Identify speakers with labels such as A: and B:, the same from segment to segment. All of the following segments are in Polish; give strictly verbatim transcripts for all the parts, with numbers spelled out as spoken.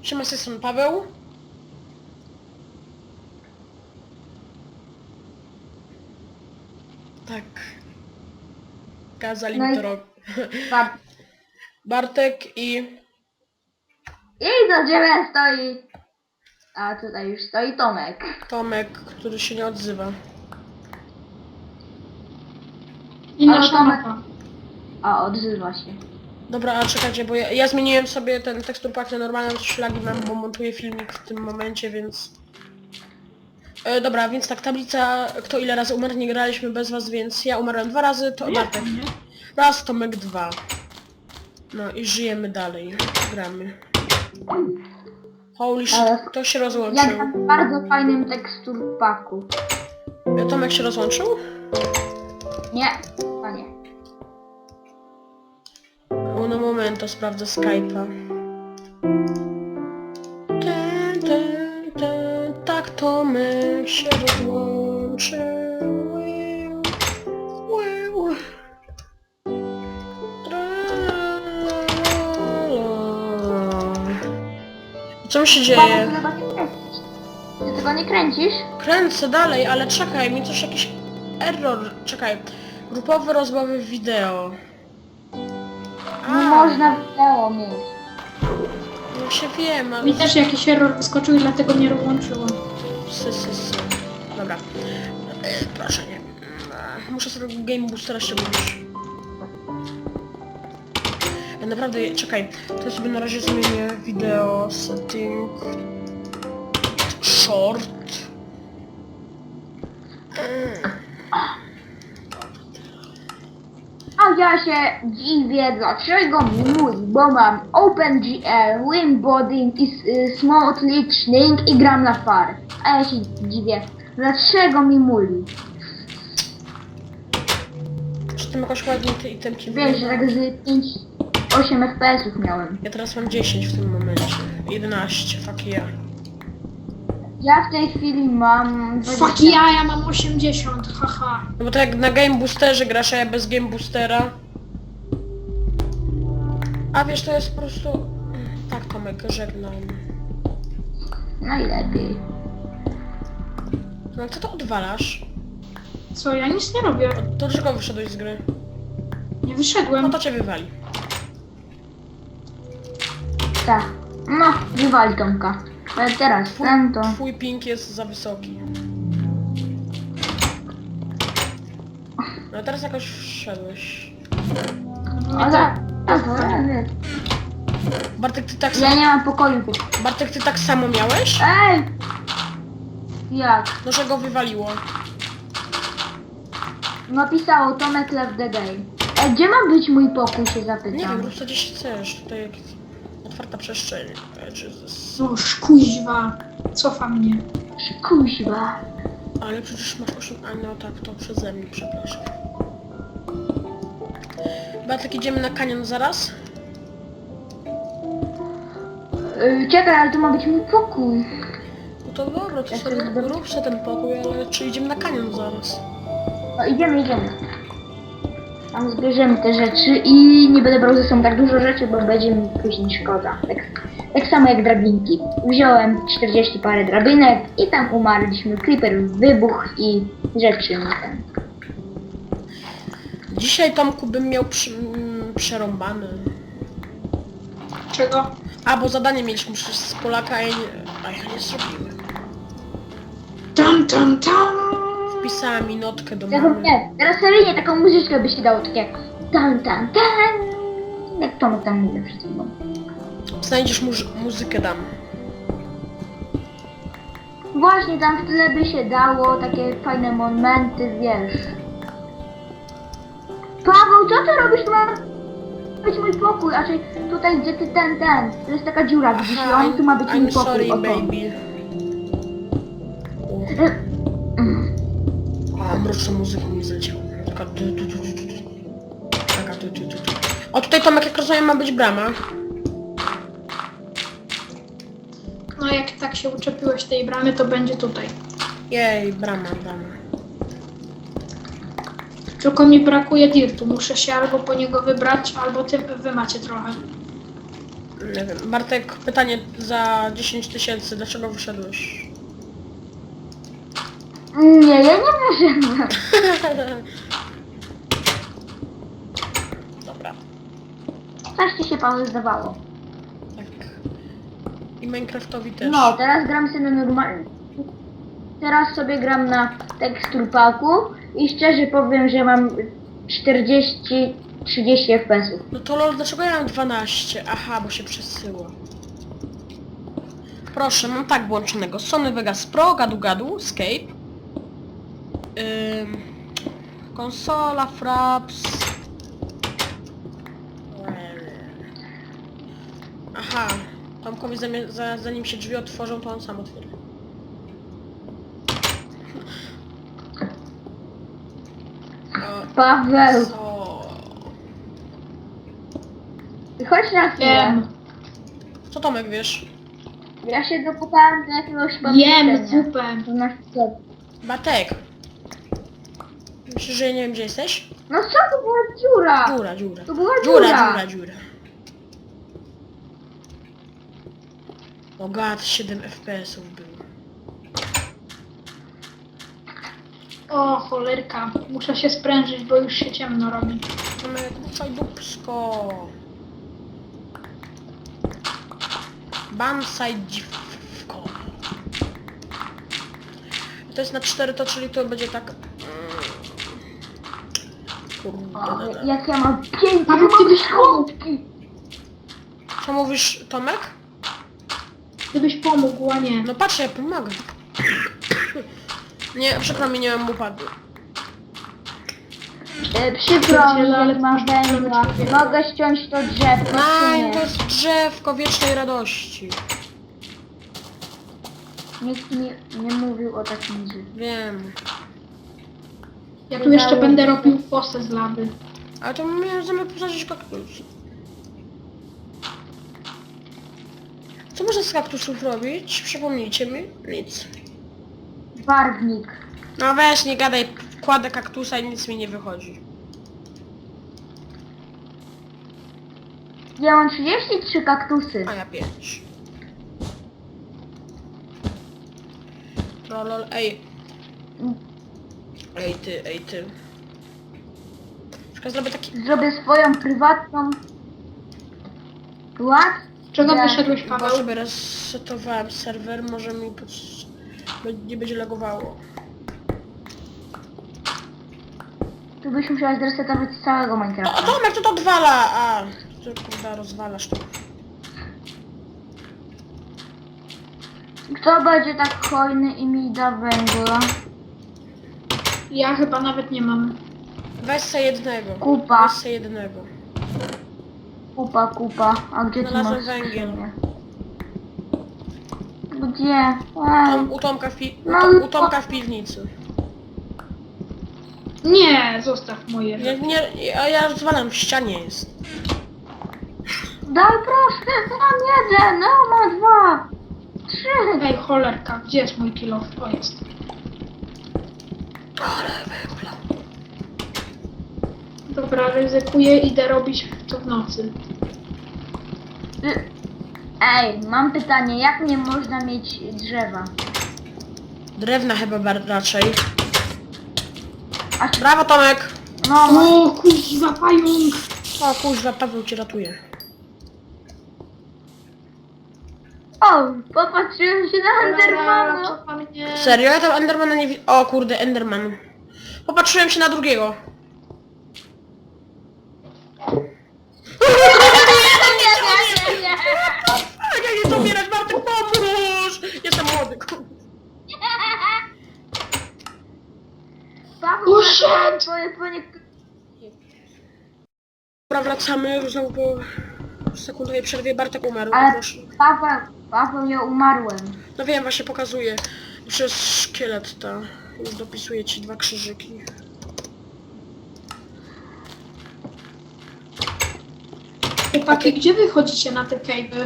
A: Siema, z tej strony Paweł. Tak. Kazali
B: No
A: mi
B: i-
A: to robić.
B: Ba-
A: Bartek i...
B: I za drzewem stoi... A tutaj już stoi Tomek.
A: Tomek, który się nie odzywa.
C: I
B: Ale
C: nasza
B: Tomek-
C: mapa.
B: A, odzywa się.
A: Dobra, a czekajcie, bo ja, ja zmieniłem sobie ten tekstur pack na normalną, szlagi mam, bo montuję filmik w tym momencie, więc... E, dobra, więc tak, tablica, kto ile razy umarł, nie graliśmy bez was, więc ja umarłem dwa razy, to Bartek. Raz, Tomek dwa. No i żyjemy dalej. Gramy. Holy shit,
B: Ale-
A: kto się
B: Ja
A: rozłączył?
B: gram w bardzo fajnym tekstur paku.
A: E, Tomek się rozłączył?
B: Nie, panie.
A: Uno momento, sprawdzę Skype'a. Ten, ten, ten, tak Tomek się rozłączył. Ły, ły. Tra, la, la. Co mi się
B: Paweł,
A: dzieje?
B: ty tego nie kręcisz. Ty tego nie kręcisz?
A: Kręcę dalej, ale czekaj, mi coś jakiś error. Czekaj. Grupowe rozmowy wideo.
B: Nie można wideo mieć.
A: No się wiem, ale...
C: Mi też jakiś error wyskoczył i dlatego mnie rozłączyło.
A: Sy, sy, sy. Dobra. E, proszę nie. E, Muszę sobie Game Boostera ściągnąć. E, naprawdę, czekaj. To ja sobie na razie zmienię wideo setting. Short. E,
B: A ja się dziwię, dlaczego mój, bo mam OpenGL, Winbody i y, Smooth Listening i gram na far. A ja się dziwię, dlaczego mi muli.
A: Czy tym jakoś ładnie te itemki
B: Wiesz, że tak z pięć osiem F P S-ów miałem.
A: Ja teraz mam dziesięć w tym momencie. jedenaście, fuck yeah.
B: Ja w tej chwili mam
C: Fuck ja, ja mam osiemdziesiąt, haha.
A: No bo to jak na Game Boosterze grasz, a ja bez Game Boostera. A wiesz, to jest po prostu... Tak, Tomek, żegnam.
B: Najlepiej.
A: No co to odwalasz?
C: Co, ja nic nie robię.
A: To dlaczego wyszedłeś z gry?
C: Nie wyszedłem.
A: No to cię wywali.
B: Tak. No, wywali Tomka. Ale teraz ten to...
A: Twój ping jest za wysoki. No teraz jakoś wszedłeś.
B: O, za... za- nie.
A: Bartek, ty tak
B: Ja
A: samo...
B: nie mam pokoju.
A: Bartek, ty tak samo miałeś?
B: Ej! Jak?
A: No, że go wywaliło.
B: Napisało Tomek left the game. Ej, gdzie ma być mój pokój, się
A: Nie
B: zapytam.
A: wiem, rób co gdzieś chcesz. Tutaj jak... Otwarta przestrzeń. E, Jesus.
C: No, szkuźwa. Cofa mnie.
B: Kuźwa.
A: Ale przecież masz osiem... A no tak, to przeze mnie, przepraszam. Bartek, idziemy na kanion zaraz?
B: Yy, czekaj, ale to ma być mój pokój.
A: No to dobra, to
B: Ja
A: sobie
B: sobie
A: rób sobie ten pokój, ale czy idziemy na kanion zaraz?
B: No idziemy, idziemy. Tam zbierzemy te rzeczy i nie będę brał ze sobą tak dużo rzeczy, bo będzie mi później szkoda. Tak, tak samo jak drabinki. Wziąłem czterdzieści parę drabinek i tam umarliśmy. Creeper wybuch i rzeczy mi ten.
A: Dzisiaj, Tomku, bym miał przy, mm, przerąbane.
C: Czego?
A: A, bo zadanie mieliśmy przecież z Polaka, a ja nie, a ja nie zrobiłem.
C: Tam, tam, tam.
A: Wpisała mi notkę do
B: Tego
A: mamy.
B: nie, teraz seryjnie taką muzyczkę by się dało, tak jak tan tan tan. Jak to tam mówię przed chwilą.
A: Znajdziesz muż- muzykę, dam.
B: Właśnie tam w tle by się dało takie fajne momenty, wiesz. Paweł, co ty robisz? Tu ma być mój pokój, a czy tutaj gdzie ty ten, ten. To jest taka dziura, widzisz, i on tu ma być mój
A: I'm
B: pokój.
A: sorry,
B: oto.
A: baby. A, mroczna muzyka mi zleciała. Taka tu, tu, tu, tu, tu. Taka tu, tu, tu, tu. O, tutaj, Tomek, jak rozumiem, ma być brama.
C: No jak tak się uczepiłeś tej bramy, to będzie tutaj.
A: Jej, brama, brama.
C: Tylko mi brakuje dirtu. Muszę się albo po niego wybrać, albo ty, wy macie trochę.
A: Nie wiem. Bartek, pytanie za dziesięć tysięcy. Dlaczego wyszedłeś?
B: Nie, ja nie wyszedłem.
A: Dobra.
B: Coś ci się Paweł zdawało.
A: Tak. I Minecraftowi też.
B: No, teraz gram sobie na normalnie. Teraz sobie gram na teksturpaku i szczerze powiem, że mam czterdzieści trzydzieści F P S ów.
A: No to lol, dlaczego ja mam dwanaście? Aha, bo się przesyło. Proszę, mam tak włączonego. Sony Vegas Pro, gadu gadu, Escape. Ym, konsola, Fraps. Aha, Tomkowi zamie- za, zanim się drzwi otworzą, to on sam otworzy. O,
B: Paweł,
A: co?
B: chodź na chwilę.
C: Jem.
A: Co Tomek wiesz?
B: Ja się dokopałem do jakiegoś
C: Jem
B: pomieszczenia.
C: zupę.
B: To na sklep.
A: Batek. Myślisz, że ja nie wiem gdzie jesteś?
B: No co, to była dziura.
A: Dziura, dziura.
B: To była
A: Dziura,
B: dziura.
A: dziura, dziura. O gad, siedem F P S ów było.
C: O, cholerka. Muszę się sprężyć, bo już się ciemno robi.
A: Mamy kucaj dupsko. Bansai dziwko. To jest na cztery, to czyli to będzie tak... Kurde,
B: O,
A: da, da.
B: jak ja mam piękne
C: Paweł, ty byś
B: schody.
A: Co mówisz, Tomek?
C: Gdybyś pomógł, a nie.
A: No patrz, ja pomagam. Nie, przykro mi, nie mam upadu.
B: E, przykro mi,
C: Pierdziele, ale
B: jak mam
C: masz
B: węgla.
C: problemy.
B: Mogę ściąć to drzewko, czy
A: Nein,
B: nie?
A: to jest drzewko wiecznej radości.
B: Nikt mi nie mówił o takim drzewie.
A: Wiem.
C: Ja tu jeszcze będę robił fosę z lawy.
A: Ale to miałem zamiar posadzić kaktus. Co można z kaktusów robić? Przypomnijcie mi. Nic.
B: Barwnik.
A: No weź, nie gadaj. Kładę kaktusa i nic mi nie wychodzi.
B: Ja mam trzydzieści trzy kaktusy.
A: A ja pięć. Lol, ej. Ej ty, ej ty. Czekaj, zrobię taki...
B: Zrobię swoją prywatną... What?
C: Czego
B: Ja-
C: wyszedłeś,
A: Bo
C: Paweł?
A: sobie resetowałem serwer, może mi pod... nie będzie lagowało.
B: Tu byś musiała zresetować całego
A: O, o
B: Minecrafta.
A: Tomek, to to odwala! A, ty kurwa rozwalasz to.
B: Kto będzie tak hojny i mi da węgla?
C: Ja chyba nawet nie mam.
A: Weź se jednego.
B: Kupa.
A: Weź se jednego.
B: Kupa, kupa. A gdzie ty
A: Znalazłem
B: masz
A: węgiel.
B: skrzynię? Gdzie? Ej.
A: Tom, u, Tomka w pi... u,
B: No,
A: Tom, u
B: no.
A: Tomka w piwnicy.
C: Nie, zostaw moje.
A: Nie, nie, ja, ja rozwalam, w ścianie jest.
B: Daj proszę, mam jeden, no mam dwa. Trzy.
C: Ej, cholerka, gdzie jest mój kilof? O, jest.
A: Ale węgla.
C: Dobra, ryzykuję, idę robić to w nocy.
B: Ej, mam pytanie, jak nie można mieć drzewa?
A: Drewna chyba bar- raczej.
B: A czy...
A: Brawo Tomek!
B: No,
C: O, kuźwa, pająk!
A: O kuźwa, Paweł cię ratuje.
B: o, popatrzyłem się na Endermana.
C: Co pan mnie...
A: Serio? Ja tam Endermana nie widzę. O kurde, Enderman. Popatrzyłem się na drugiego. A ja nie zabierać, Bartek, pomóż! Jestem młody, kurde.
B: Paweł,
C: Usiadł.
B: zabrałem twoje płynie...
A: Dobra, wracamy, znowu po sekundowej przerwie Bartek umarł.
B: Ale
A: Proszę.
B: Paweł, Paweł, ja umarłem.
A: No wiem, właśnie pokazuję. Przez szkielet ta. Już dopisuję ci dwa krzyżyki.
C: Chłopaki, gdzie wy chodzicie na te cave'y?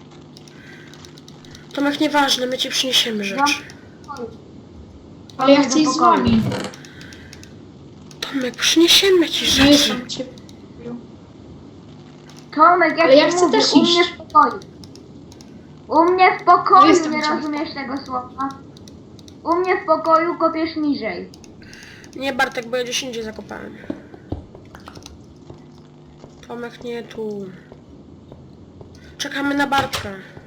A: Tomek, nieważne, my ci przyniesiemy rzeczy.
C: Ale ja chcę iść z wami.
A: Tomek, przyniesiemy ci
C: No
A: rzeczy.
C: jestem cię.
B: Tomek, jak
C: Ale ja
B: ci
C: chcę
B: mówię,
C: też
B: u mnie
C: iść.
B: w pokoju. U mnie w pokoju,
C: Jestem
B: nie
C: ciągle.
B: rozumiesz tego słowa? U mnie w pokoju kopiesz niżej.
A: Nie Bartek, bo ja gdzieś indziej zakopałem. Tomek nie tu. Czekamy na Bartka.